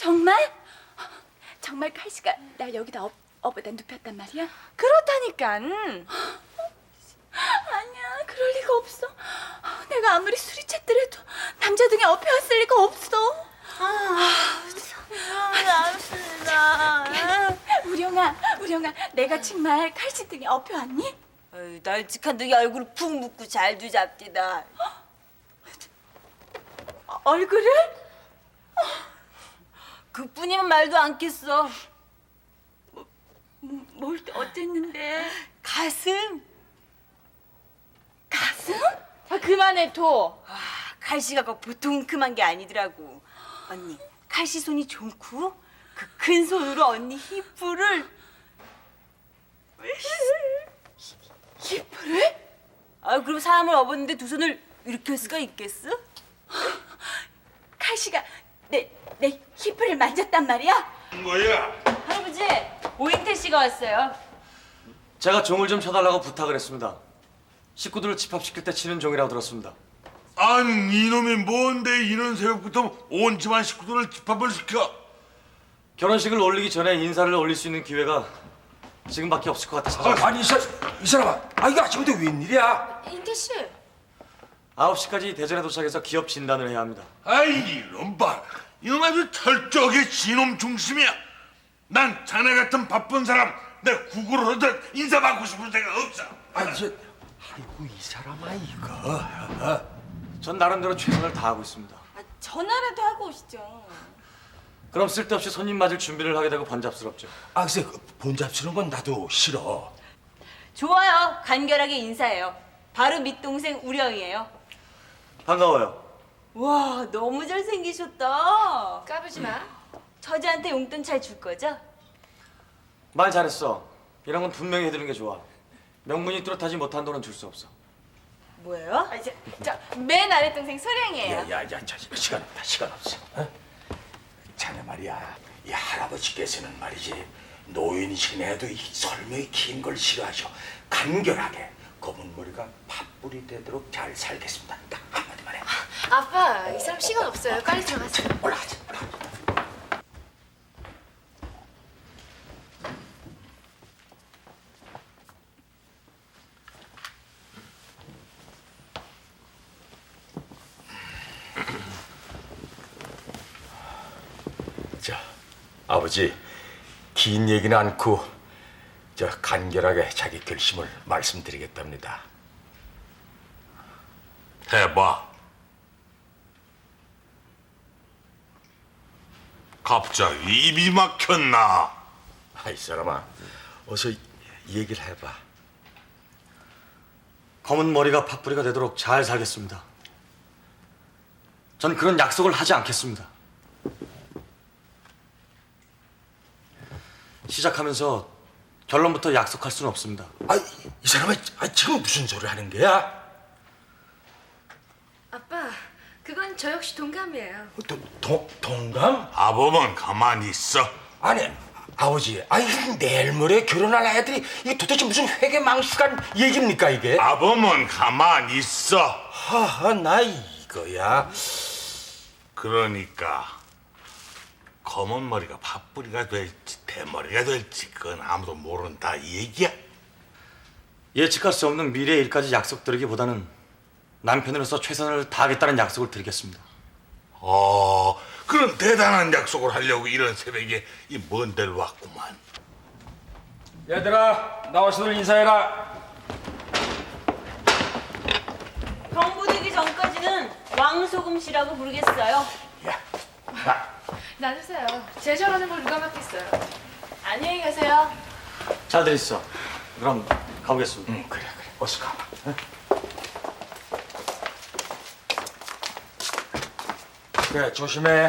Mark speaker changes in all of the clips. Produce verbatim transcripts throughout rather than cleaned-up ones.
Speaker 1: 정말? 정말 칼씨가 날 여기다 업, 업에다 눕혔단 말이야?
Speaker 2: 그렇다니깐.
Speaker 1: 아니야, 그럴 리가 없어. 내가 아무리 술이 챘더라도 남자 등에 업혀왔을 리가 없어.
Speaker 2: 아, 알았습니다.
Speaker 1: 우령아, 우령아, 내가 정말 칼씨 등에 업혀왔니?
Speaker 2: 어이, 널찍한 둥이 얼굴을 푹 묶고 잘 두잡디다.
Speaker 1: 어, 얼굴을?
Speaker 2: 그뿐이면 말도 않겠어.
Speaker 1: 뭐, 뭘 또 어쨌는데?
Speaker 2: 가슴.
Speaker 1: 가슴?
Speaker 2: 아, 그만해 도. 아, 칼씨가 꼭 보통 큼한 게 아니더라고. 언니, 칼씨 손이 좋고 그 큰 손으로 언니 히프를.
Speaker 1: 히프를?
Speaker 2: 아, 그럼 사람을 업었는데 두 손을 이렇게 할 수가 있겠어?
Speaker 1: 칼씨가 내, 내 히프를 만졌단 말이야?
Speaker 3: 뭐야?
Speaker 2: 할아버지, 오행태 씨가 왔어요.
Speaker 4: 제가 종을 좀 쳐달라고 부탁을 했습니다. 식구들을 집합시킬 때 치는 종이라고 들었습니다.
Speaker 3: 아니 이놈이 뭔데 이런 새벽부터 온 집안 식구들을 집합을 시켜?
Speaker 4: 결혼식을 올리기 전에 인사를 올릴 수 있는 기회가 지금밖에 없을 것 같아서
Speaker 5: 아니 이, 사, 이 사람아, 아 이거 아침부터 웬일이야?
Speaker 1: 인태 씨.
Speaker 4: 아홉 시까지 대전에 도착해서 기업 진단을 해야 합니다.
Speaker 3: 아이 이놈 봐, 이놈 아주 철저하게 진놈 중심이야. 난 자네 같은 바쁜 사람 내 구구를 하든 인사받고 싶은 생각 없어.
Speaker 5: 아니 저, 아이고 이 사람아 이거.
Speaker 4: 전 나름대로 최선을 다하고 있습니다.
Speaker 2: 아, 전화라도 하고 오시죠.
Speaker 4: 그럼 쓸데없이 손님 맞을 준비를 하게 되고 번잡스럽죠.
Speaker 5: 아 글쎄 그 본잡스러운 건 나도 싫어.
Speaker 2: 좋아요. 간결하게 인사해요. 바로 밑동생 우령이에요.
Speaker 4: 반가워요.
Speaker 2: 와, 너무 잘생기셨다.
Speaker 1: 까부지 마.
Speaker 2: 처제한테 용돈 잘 줄 거죠?
Speaker 4: 말 잘했어. 이런 건 분명히 해드리는 게 좋아. 명분이 뚜렷하지 못한 돈은 줄 수 없어.
Speaker 2: 뭐예요?
Speaker 1: 아, 이제 저맨 아래 동생 소령이에요.
Speaker 5: 야야야, 자, 시간 없다, 시간 없어. 어? 자네 말이야, 이 할아버지께서는 말이지 노인이시긴 해도 이 설명이 긴 걸 싫어하셔. 간결하게 검은 머리가 팥불이 되도록 잘 살겠습니다. 딱 한마디만 해.
Speaker 6: 아빠, 이 사람 시간 없어요. 빨리 들어가세요.
Speaker 5: 올라가자, 올라가자. 자, 아버지, 긴 얘기는 않고 저 간결하게 자기 결심을 말씀드리겠답니다.
Speaker 3: 해봐. 갑자기 입이 막혔나?
Speaker 5: 아이 사람아, 어서 이 얘기를 해봐.
Speaker 4: 검은 머리가 팥뿌리가 되도록 잘 살겠습니다. 전 그런 약속을 하지 않겠습니다. 시작하면서 결론부터 약속할 수는 없습니다.
Speaker 5: 아이 이 사람아, 아, 지금 무슨 소리 하는 거야?
Speaker 6: 아빠, 그건 저 역시 동감이에요.
Speaker 5: 도, 동, 동감?
Speaker 3: 아범은 가만히 있어.
Speaker 5: 아니 아버지, 아니 내일 모레 결혼할 애들이 이게 도대체 무슨 회계망신한 얘기입니까 이게?
Speaker 3: 아범은 가만히 있어.
Speaker 5: 하하, 나 이거야.
Speaker 3: 그러니까 검은 머리가 팥뿌리가 될지 대머리가 될지 그건 아무도 모른다 이 얘기야.
Speaker 4: 예측할 수 없는 미래의 일까지 약속드리기보다는 남편으로서 최선을 다하겠다는 약속을 드리겠습니다.
Speaker 3: 어, 그런 대단한 약속을 하려고 이런 새벽에 이 먼 데를 왔구만.
Speaker 5: 얘들아, 나와서들 인사해라.
Speaker 2: 경부되기 전까지는 왕소금 씨라고 부르겠어요.
Speaker 5: 야, 나
Speaker 6: 놔두세요. 제 저러는 걸 누가 맡겠어요.
Speaker 2: 안녕히 가세요.
Speaker 4: 잘들 있어. 그럼 가보겠습니다.
Speaker 5: 응, 그래 그래, 어서 가봐. 응? 그래, 조심해.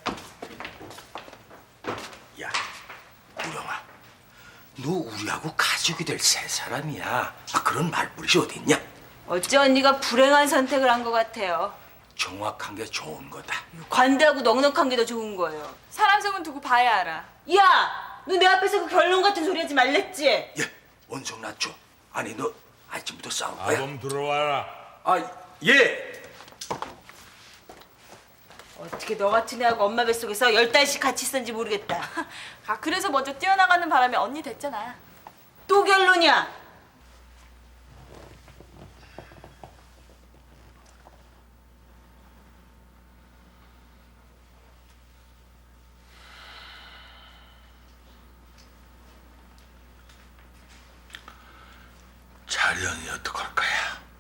Speaker 5: 야, 우영아, 너 우리하고 가족이 될 세 사람이야. 아, 그런 말버릇이 어디 있냐?
Speaker 2: 어째 언니가 불행한 선택을 한 것 같아요.
Speaker 5: 정확한 게 좋은 거다.
Speaker 2: 관대하고 넉넉한 게 더 좋은 거예요.
Speaker 1: 사람 속은 두고 봐야 알아.
Speaker 2: 야, 너 내 앞에서 그 결론 같은 소리 하지 말랬지?
Speaker 5: 예, 원성 낳죠. 아니 너 아침부터 싸울 거야?
Speaker 3: 아범 들어와라.
Speaker 5: 아, 예.
Speaker 2: 어떻게 너 같은 애하고 엄마 뱃속에서 열 달씩 같이 있었는지 모르겠다.
Speaker 1: 아 그래서 먼저 뛰어나가는 바람에 언니 됐잖아.
Speaker 2: 또 결론이야.
Speaker 3: 자령이 어떡할 거야?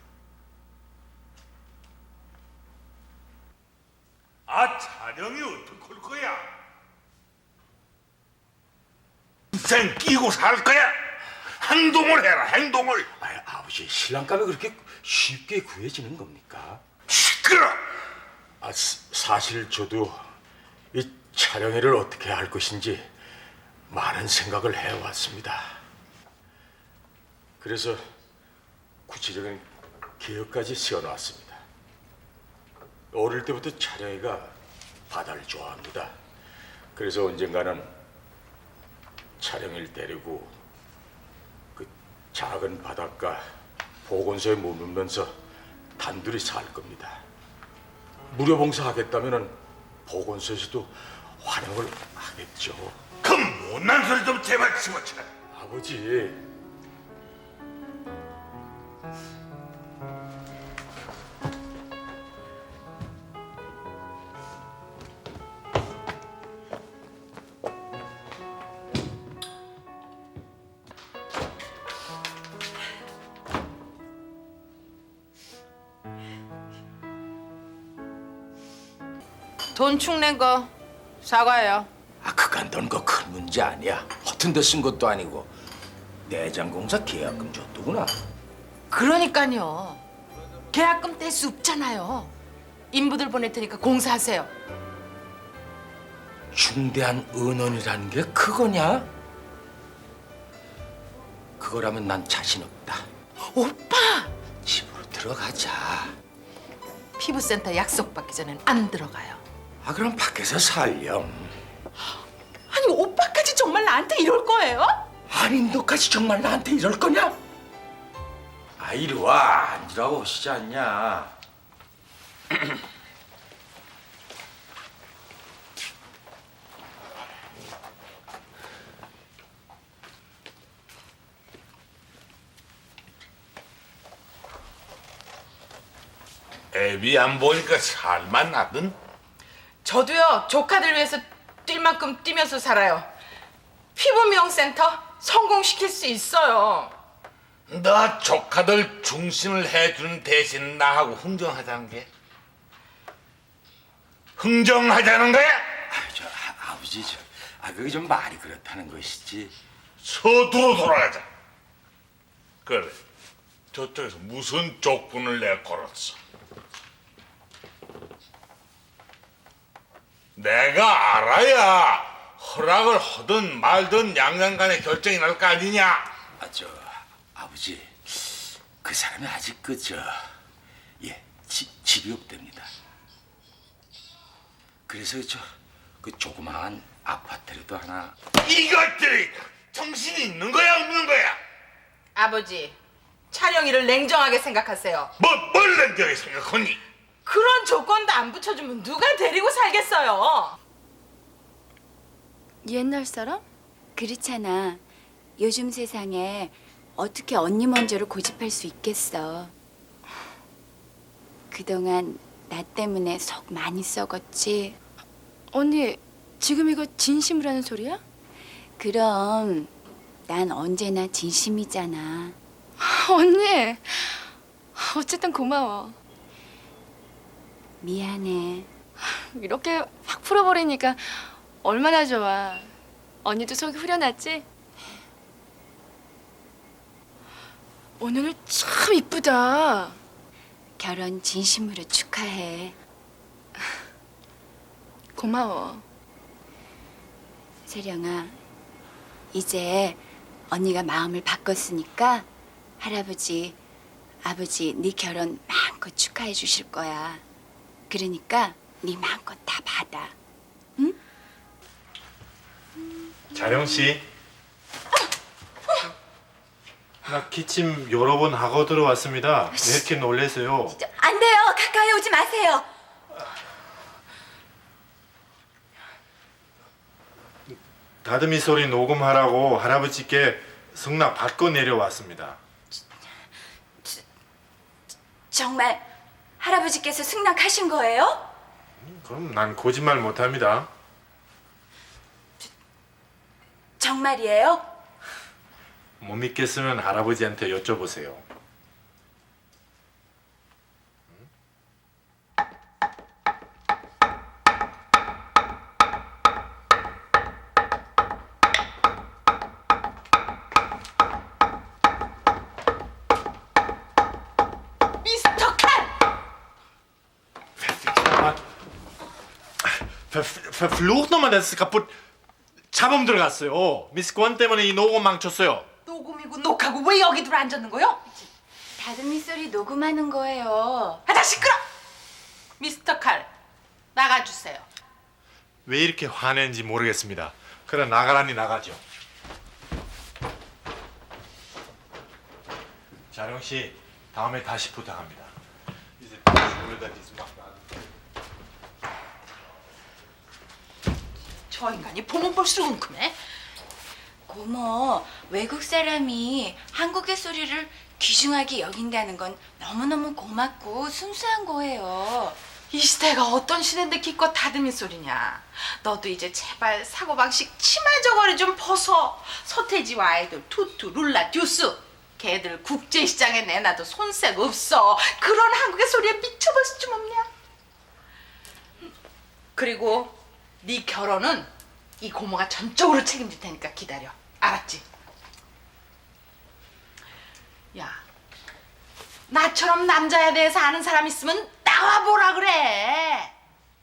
Speaker 3: 아, 자령이 어떡할 거야? 인생 끼고 살 거야? 행동을 해라, 행동을.
Speaker 5: 아, 아버지 신랑감이 그렇게 쉽게 구해지는 겁니까?
Speaker 3: 시끄러.
Speaker 5: 아, 사- 사실 저도 이 촬영회를 어떻게 할 것인지 많은 생각을 해왔습니다. 그래서 구체적인 계획까지 세워놨습니다. 어릴 때부터 촬영회가 바다를 좋아합니다. 그래서 언젠가는 촬영회를 데리고 그 작은 바닷가 보건소에 머물면서 단둘이 살 겁니다. 무료 봉사하겠다면은 보건소에서도 환영을 하겠죠.
Speaker 3: 그 못난 소리 좀 제발 집어쳐.
Speaker 5: 아버지,
Speaker 7: 돈 축낸 거 사과해요.
Speaker 5: 아 그간 넌거 큰 문제 아니야. 허튼 데 쓴 것도 아니고 내장공사 계약금 줬더구나.
Speaker 7: 그러니까요. 계약금 뗄 수 없잖아요. 인부들 보낼 테니까 공사하세요.
Speaker 5: 중대한 은원이라는 게 그거냐? 그거라면 난 자신 없다.
Speaker 7: 오빠!
Speaker 5: 집으로 들어가자.
Speaker 7: 피부센터 약속 받기 전엔 안 들어가요.
Speaker 5: 아 그럼 밖에서 살렴.
Speaker 7: 아니 오빠까지 정말 나한테 이럴 거예요?
Speaker 5: 아니 너까지 정말 나한테 이럴 거냐? 아 이리 와 앉으라고 오시지 않냐?
Speaker 3: 애비 안 보니까 살만 나든.
Speaker 7: 저도요 조카들 위해서 뛸 만큼 뛰면서 살아요. 피부 미용센터 성공시킬 수 있어요.
Speaker 3: 너 조카들 중심을 해주는 대신 나하고 흥정하자는 게? 흥정하자는 거야?
Speaker 5: 아, 저 아, 아버지 저, 아 그게 좀 말이 그렇다는 것이지.
Speaker 3: 서두로 돌아가자. 그래, 저쪽에서 무슨 조건을 내 걸었어? 내가 알아야 허락을 하든 말든 양양간에 결정이 날 거 아니냐?
Speaker 5: 아 저 아버지 그 사람이 아직 그저예 집이 없답니다. 그래서 저 그 조그마한 아파트라도 하나.
Speaker 3: 이것들이 정신이 있는 거야 없는 거야?
Speaker 7: 아버지 촬영일을 냉정하게 생각하세요.
Speaker 3: 뭐, 뭘 냉정히 생각하니?
Speaker 7: 그런 조건도 안 붙여주면 누가 데리고 살겠어요?
Speaker 1: 옛날 사람? 그렇잖아. 요즘 세상에 어떻게 언니 먼저를 고집할 수 있겠어. 그동안 나 때문에 속 많이 썩었지. 언니, 지금 이거 진심으로 하는 소리야? 그럼 난 언제나 진심이잖아. 언니, 어쨌든 고마워. 미안해. 이렇게 확 풀어버리니까 얼마나 좋아. 언니도 속이 후련하지? 오늘 참 이쁘다. 결혼 진심으로 축하해. 고마워. 세령아, 이제 언니가 마음을 바꿨으니까 할아버지, 아버지 네 결혼 마음껏 축하해 주실 거야. 그러니까 네 마음껏 다 받아. 응?
Speaker 8: 자령 씨. 나 기침 여러 번 하고 들어왔습니다. 왜 이렇게 놀래세요?
Speaker 1: 안 돼요. 가까이 오지 마세요.
Speaker 8: 다듬이 소리 녹음하라고 할아버지께 승낙 받고 내려왔습니다.
Speaker 1: 정말 할아버지께서 승낙하신 거예요?
Speaker 8: 그럼 난 거짓말 못합니다.
Speaker 1: 정말이에요?
Speaker 8: 못 믿겠으면 할아버지한테 여쭤보세요.
Speaker 7: 미스터 칼!
Speaker 8: Ver, verflucht nochmal, das ist kaputt. 잡음 들어갔어요. 미스 권 때문에 이 녹음 망쳤어요.
Speaker 7: 녹음이고 녹하고 왜 여기 들어 앉았는 거요?
Speaker 1: 다듬이 소리 녹음하는 거예요.
Speaker 7: 아다 시끄러! 미스터 칼 나가주세요.
Speaker 8: 왜 이렇게 화낸지 모르겠습니다. 그래 나가라니 나가죠. 자룡 씨, 다음에 다시 부탁합니다. 이제 원래다 디스막
Speaker 7: 저 인간이 보면 볼수록 웅큼해.
Speaker 1: 고모, 외국 사람이 한국의 소리를 귀중하게 여긴다는 건 너무너무 고맙고 순수한 거예요.
Speaker 7: 이 시대가 어떤 시대인데 기껏 다듬이 소리냐. 너도 이제 제발 사고방식 치마 저고리 좀 벗어. 서태지와 아이돌 투투 룰라 듀스 걔들 국제시장에 내놔도 손색 없어. 그런 한국의 소리에 미쳐볼 수좀 없냐. 그리고 네 결혼은 이 고모가 전적으로 책임질 테니까 기다려. 알았지? 야, 나처럼 남자에 대해서 아는 사람 있으면 나와보라 그래.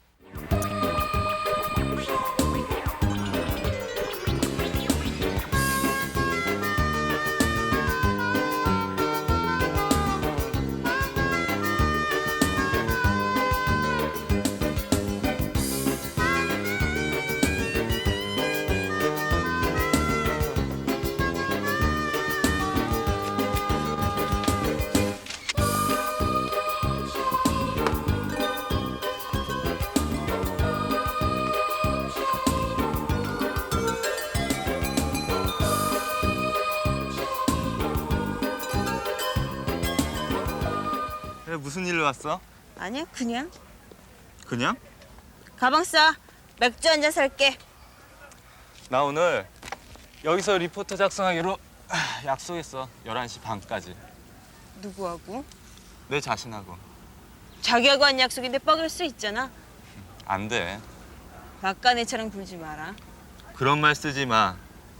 Speaker 9: 그래, 무슨 일로 왔어?
Speaker 2: 아니야, 그냥.
Speaker 9: 그냥?
Speaker 2: 가방 싸. 맥주 한 잔 살게.
Speaker 9: 나 오늘 여기서 리포터 작성하기로 약속했어. 열한 시 반까지.
Speaker 2: 누구하고?
Speaker 9: 내 자신하고.
Speaker 2: 자기하고 한 약속인데 뻐길 수 있잖아.
Speaker 9: 안 돼.
Speaker 2: 막간애처럼 굴지 마라.
Speaker 9: 그런 말 쓰지 마.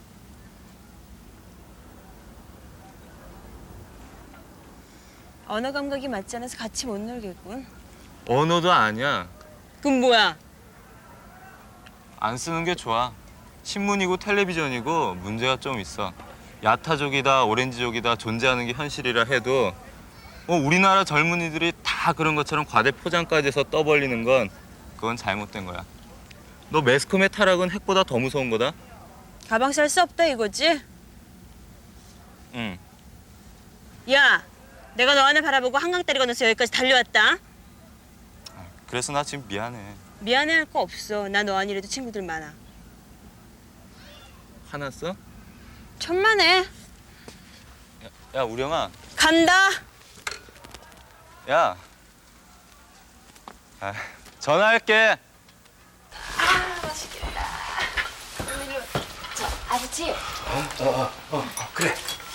Speaker 2: 언어 감각이 맞지 않아서 같이 못 놀겠군.
Speaker 9: 언어도 아니야.
Speaker 2: 그럼 뭐야?
Speaker 9: 안 쓰는 게 좋아. 신문이고 텔레비전이고 문제가 좀 있어. 야타족이다 오렌지족이다 존재하는 게 현실이라 해도 어, 우리나라 젊은이들이 다 그런 것처럼 과대 포장까지 해서 떠벌리는 건 그건 잘못된 거야. 너 매스컴의 타락은 핵보다 더 무서운 거다.
Speaker 2: 가방 쌀 수 없다 이거지?
Speaker 9: 응.
Speaker 2: 야, 내가 너 하나 바라보고 한강다리 건너서 여기까지 달려왔다.
Speaker 9: 그래서 나 지금 미안해.
Speaker 2: 미안해할 거 없어. 나 너 아니래도 친구들 많아.
Speaker 9: 화났어?
Speaker 2: 천만에.
Speaker 9: 야, 야 우령아.
Speaker 2: 간다.
Speaker 9: 야. 아, 전화할게.
Speaker 1: 아, 맛있겠다. 저 아버지,
Speaker 5: 어, 어, 어, 그래.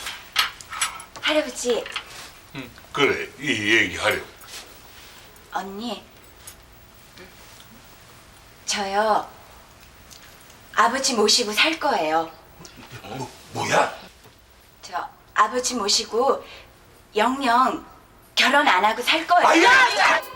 Speaker 1: 할아버지,
Speaker 3: 그래, 이 얘기하려고.
Speaker 1: 언니. 저요. 아버지 모시고 살 거예요.
Speaker 5: 뭐, 뭐야?
Speaker 1: 저 아버지 모시고 영영 결혼 안 하고 살 거예요.
Speaker 5: 아야!